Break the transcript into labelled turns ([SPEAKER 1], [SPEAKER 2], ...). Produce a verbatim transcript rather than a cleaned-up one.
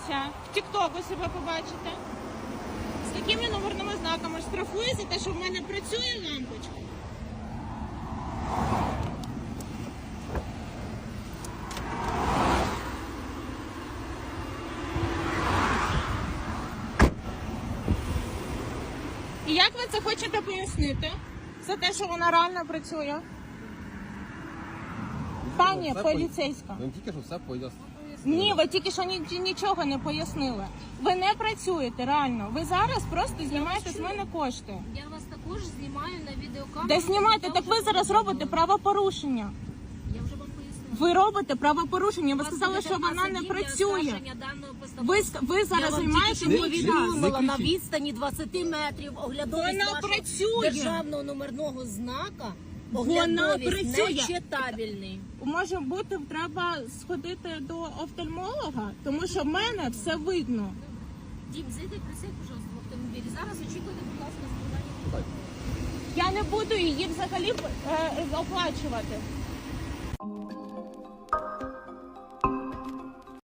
[SPEAKER 1] подивіться, в тіктоку себе побачите. З такими номерними знаками штрафує за те, що в мене працює лампочка. І як ви це хочете пояснити? За те, що вона реально працює? Пані
[SPEAKER 2] Все
[SPEAKER 1] поліцейська.
[SPEAKER 2] Ви тільки що все пояснили.
[SPEAKER 1] Ні, ви тільки що ні, нічого не пояснили. Ви не працюєте реально. Ви зараз просто знімаєте з мене кошти.
[SPEAKER 3] Я вас також знімаю на відеокамеру.
[SPEAKER 1] Де знімаєте?
[SPEAKER 3] Я
[SPEAKER 1] Так
[SPEAKER 3] вже
[SPEAKER 1] ви зараз
[SPEAKER 3] повідомила.
[SPEAKER 1] робите правопорушення.
[SPEAKER 3] Я вже вам пояснила.
[SPEAKER 1] Ви робите правопорушення. Ви
[SPEAKER 3] Вас
[SPEAKER 1] сказали,
[SPEAKER 3] буде
[SPEAKER 1] що вона не
[SPEAKER 3] адміністративне
[SPEAKER 1] працює.
[SPEAKER 3] оскарження даної постанови.
[SPEAKER 1] Ви, ск- ви
[SPEAKER 3] Я
[SPEAKER 1] зараз
[SPEAKER 3] вам
[SPEAKER 1] займаєте
[SPEAKER 3] тільки що
[SPEAKER 1] мій час.
[SPEAKER 3] повідомила на
[SPEAKER 2] кричіть.
[SPEAKER 3] відстані двадцять метрів оглядовість
[SPEAKER 1] Вона
[SPEAKER 3] вашого
[SPEAKER 1] працює.
[SPEAKER 3] державного номерного знака.
[SPEAKER 1] Вона
[SPEAKER 3] Оглядовість
[SPEAKER 1] працює.
[SPEAKER 3] нечитабельний.
[SPEAKER 1] Може бути, треба сходити до офтальмолога, тому що в мене все видно.
[SPEAKER 3] Дім, зайди, присядь, пожалуйста, в автомобілі. Зараз очікуйте, будь ласка, складання.
[SPEAKER 1] Я не буду її взагалі е, оплачувати.